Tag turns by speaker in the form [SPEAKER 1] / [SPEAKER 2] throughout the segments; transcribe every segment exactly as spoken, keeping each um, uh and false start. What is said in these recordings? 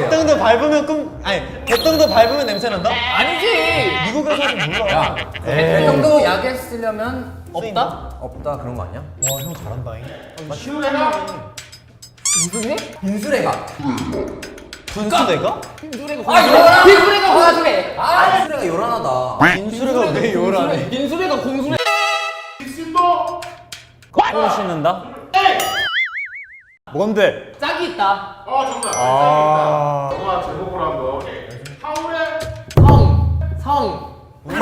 [SPEAKER 1] 개똥도 밟으면 꿈 아니 개똥도 밟으면 냄새 난다?
[SPEAKER 2] 아니지.
[SPEAKER 1] 미국에서 하지 몰라.
[SPEAKER 3] 이 정도 약에 쓰려면
[SPEAKER 2] 없다?
[SPEAKER 3] 없다 그런 거 아니야?
[SPEAKER 1] 와 형 잘한다잉.
[SPEAKER 2] 무슨 해?
[SPEAKER 3] 빈수레가.
[SPEAKER 1] 분수대가?
[SPEAKER 2] 빈수레가 아 요란. 빈수레가 공수래.
[SPEAKER 3] 아 빈수레가 요란하다.
[SPEAKER 1] 빈수레가 왜 요란해?
[SPEAKER 2] 빈수레가 공수래.
[SPEAKER 1] 손 씻는다? 뭔데?
[SPEAKER 2] 짝이 있다.
[SPEAKER 4] 어 정답.
[SPEAKER 1] 아.
[SPEAKER 4] 영화 제목으로 한번. 하울의
[SPEAKER 2] 성. 성.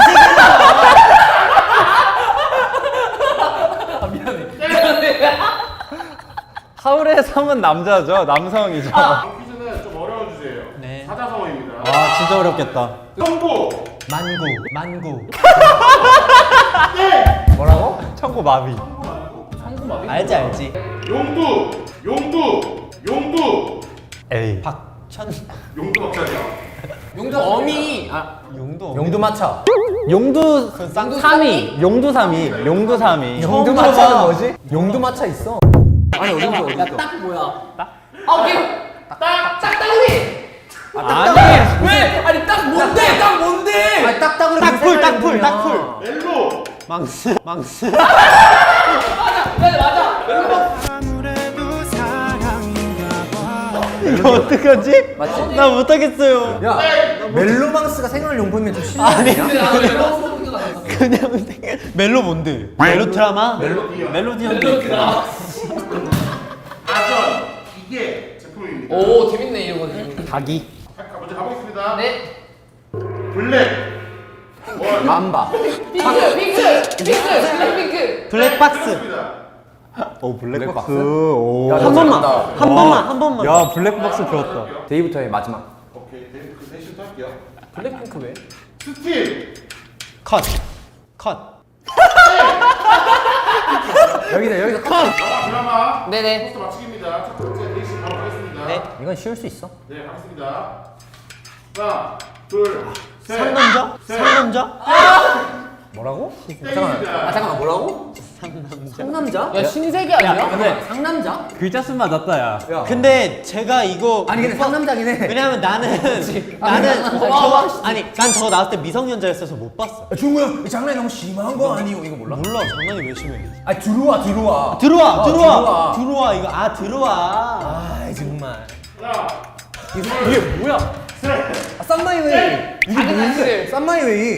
[SPEAKER 2] 아, 미안해. 미안해.
[SPEAKER 1] 하울의 성은 남자죠? 남성이죠?
[SPEAKER 4] 다음 퀴즈는 좀 어려운 주제예요.
[SPEAKER 1] 네.
[SPEAKER 4] 사자성어입니다.
[SPEAKER 1] 아 진짜 어렵겠다.
[SPEAKER 4] 청구.
[SPEAKER 1] 만구 만구
[SPEAKER 3] 뭐라고?
[SPEAKER 1] 청구 마비.
[SPEAKER 2] 성구마비?
[SPEAKER 1] 알지 알지.
[SPEAKER 4] 용두. 용두. 용두.
[SPEAKER 1] 에이 박천
[SPEAKER 4] 용두 박사냐?
[SPEAKER 2] 용도 어미. 아
[SPEAKER 1] 용도
[SPEAKER 3] 용두마차.
[SPEAKER 1] 용두
[SPEAKER 2] 용도 삼이.
[SPEAKER 1] 용두삼이 용두삼이
[SPEAKER 3] 용두마차는 뭐지? 용두마차 있어. 아니 어디 있어 어디 있어?
[SPEAKER 2] 딱 뭐야? 딱? 아 오케이. 딱. 짝다구리.
[SPEAKER 1] 아니
[SPEAKER 2] 왜? 아니 딱 뭔데? 딱 뭔데?
[SPEAKER 3] 아니 딱딱으로
[SPEAKER 1] 딱풀 딱풀 딱풀
[SPEAKER 4] 멜로.
[SPEAKER 1] 망스 망스.
[SPEAKER 2] 맞아. 맞아. 맞아.
[SPEAKER 1] 이거 어떡하지?
[SPEAKER 3] 맞지?
[SPEAKER 1] 나 못하겠어요.
[SPEAKER 3] 야 멜로망스가 생활용품이면 좀 실례
[SPEAKER 1] 아니
[SPEAKER 3] 아니야?
[SPEAKER 1] 그냥 생각- 멜로 뭔데? 멜로 드라마?
[SPEAKER 4] 멜로디언.
[SPEAKER 1] 멜로디언도 있고.
[SPEAKER 4] 아전. 이게 제품입니다.
[SPEAKER 2] 오 재밌네 이런 거 재밌네.
[SPEAKER 1] 닭이
[SPEAKER 4] 자, 먼저 가보겠습니다.
[SPEAKER 2] 네.
[SPEAKER 4] 블랙. 원.
[SPEAKER 3] 맘바.
[SPEAKER 2] 핑크 핑크 핑크 블랙핑크.
[SPEAKER 1] 블랙박스.
[SPEAKER 4] 알겠습니다.
[SPEAKER 1] 오 블랙박스.
[SPEAKER 3] 블랙박스?
[SPEAKER 1] 오.
[SPEAKER 3] 야,
[SPEAKER 1] 한
[SPEAKER 3] 너
[SPEAKER 1] 번만
[SPEAKER 3] 잘한다.
[SPEAKER 1] 한 번만 한 번만.
[SPEAKER 3] 야,
[SPEAKER 1] 블랙박스 좋았다.
[SPEAKER 3] 데이부터의 마지막.
[SPEAKER 4] 오케이. 네, 그 셋부터 할게요.
[SPEAKER 3] 블랙핑크 왜?
[SPEAKER 4] 스틸.
[SPEAKER 1] 컷. 컷.
[SPEAKER 3] 여기다 여기다 컷.
[SPEAKER 4] 영화 드라마.
[SPEAKER 2] 네네.
[SPEAKER 4] 포스터 맞추기입니다. 첫 번째 대시 바로 하겠습니다.
[SPEAKER 1] 네.
[SPEAKER 3] 이건 쉬울 수 있어.
[SPEAKER 4] 네, 하겠습니다. 하나, 둘, 셋.
[SPEAKER 1] 상남자?
[SPEAKER 4] 셋.
[SPEAKER 1] 상남자?
[SPEAKER 3] 뭐라고? 잠깐만.
[SPEAKER 4] 땡입니다.
[SPEAKER 3] 아 잠깐만 뭐라고? 상남자?
[SPEAKER 2] 야 신세계 아니야?
[SPEAKER 1] 근데
[SPEAKER 3] 상남자?
[SPEAKER 1] 글자 수는 맞았다 야.
[SPEAKER 3] 야.
[SPEAKER 1] 근데 제가 이거
[SPEAKER 3] 아니 근데 상남자긴 해.
[SPEAKER 1] 왜냐면 나는 나는 저거 아니 난 저거 나왔을 때 미성년자였어서 못 봤어.
[SPEAKER 3] 중우야 이 장난이 너무 심한 거 아니오 이거 몰라?
[SPEAKER 1] 몰라 장난이 왜 심해?
[SPEAKER 3] 아 들어와 들어와.
[SPEAKER 1] 들어와
[SPEAKER 3] 어,
[SPEAKER 1] 들어와
[SPEAKER 3] 들어와.
[SPEAKER 1] 들어와 이거 아 들어와.
[SPEAKER 3] 아 정말.
[SPEAKER 4] 하나,
[SPEAKER 1] 이게 뭐야?
[SPEAKER 3] 아, 쌈마이웨이. 이게
[SPEAKER 2] 작은
[SPEAKER 3] 뭔데?
[SPEAKER 2] 아저씨들.
[SPEAKER 3] 쌈마이웨이.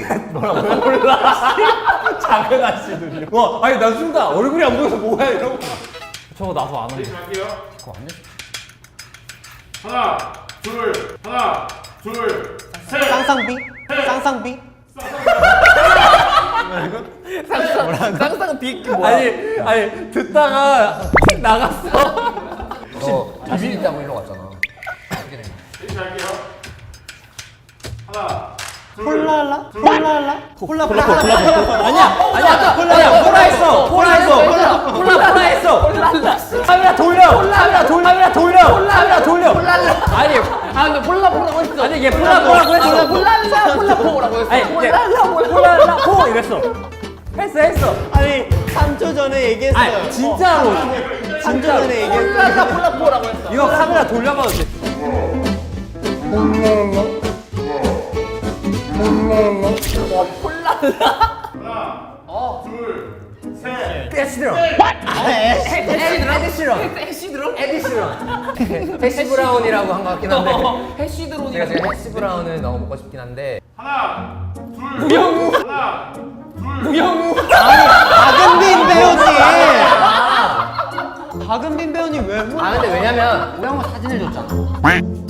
[SPEAKER 1] 작은 아씨들이요.
[SPEAKER 3] 와 아니 나 순간 얼굴이 안 보여서 뭐야 이러고.
[SPEAKER 1] 저거 나도 안 하는데.
[SPEAKER 4] 대시 갈게요.
[SPEAKER 3] 그거 안 해?
[SPEAKER 4] 하나, 둘, 하나, 둘, 셋.
[SPEAKER 1] 쌍쌍비? 쌍쌍비?
[SPEAKER 2] 쌍쌍 빅 뭐야?
[SPEAKER 1] 아니 아니 듣다가 나갔어.
[SPEAKER 3] 너 자신 있다고 일로 갔잖아.
[SPEAKER 4] 대시 갈게요. 하나, 둘,
[SPEAKER 1] 홀라라?
[SPEAKER 4] 둘,
[SPEAKER 1] 홀라라? 홀라 홀라 홀라 홀라 아니야 아니야 홀라야 홀라 했어 홀라 했어 홀라 홀라 홀라 했어 카메라 돌려 카메라 돌려 카메라 돌려 카메라 돌려
[SPEAKER 2] 아니 아 근데 폴라포라고 했어.
[SPEAKER 1] 아니 얘 폴라 뭐라고 했어
[SPEAKER 2] 폴라라 폴라포라고 했어.
[SPEAKER 1] 아니 얘 홀라라 포 이랬어 했어 했어 아니 삼 초 전에 얘기했어요 아니 진짜로 삼 초 전에 얘기했어
[SPEAKER 2] 폴라라 폴라포라고 했어.
[SPEAKER 1] 이거 카메라 돌려봐도 돼
[SPEAKER 4] 하나,
[SPEAKER 2] 어.
[SPEAKER 4] 둘, 셋.
[SPEAKER 3] 에시드럼.
[SPEAKER 2] 에시드런? 해시드론?
[SPEAKER 3] 에디스런. 해시 브라운이라고 한 것 같긴 한데.
[SPEAKER 2] 해시드론이.
[SPEAKER 3] 제가 지금 해시 브라운을 너무 먹고 싶긴 한데.
[SPEAKER 4] 하나, 둘,
[SPEAKER 2] 무영우.
[SPEAKER 4] 하나, 둘,
[SPEAKER 2] 무영우.
[SPEAKER 1] 박은빈 배우님 박은빈 배우님 왜
[SPEAKER 3] 아 근데 왜냐면 우영우 사진을 줬잖아.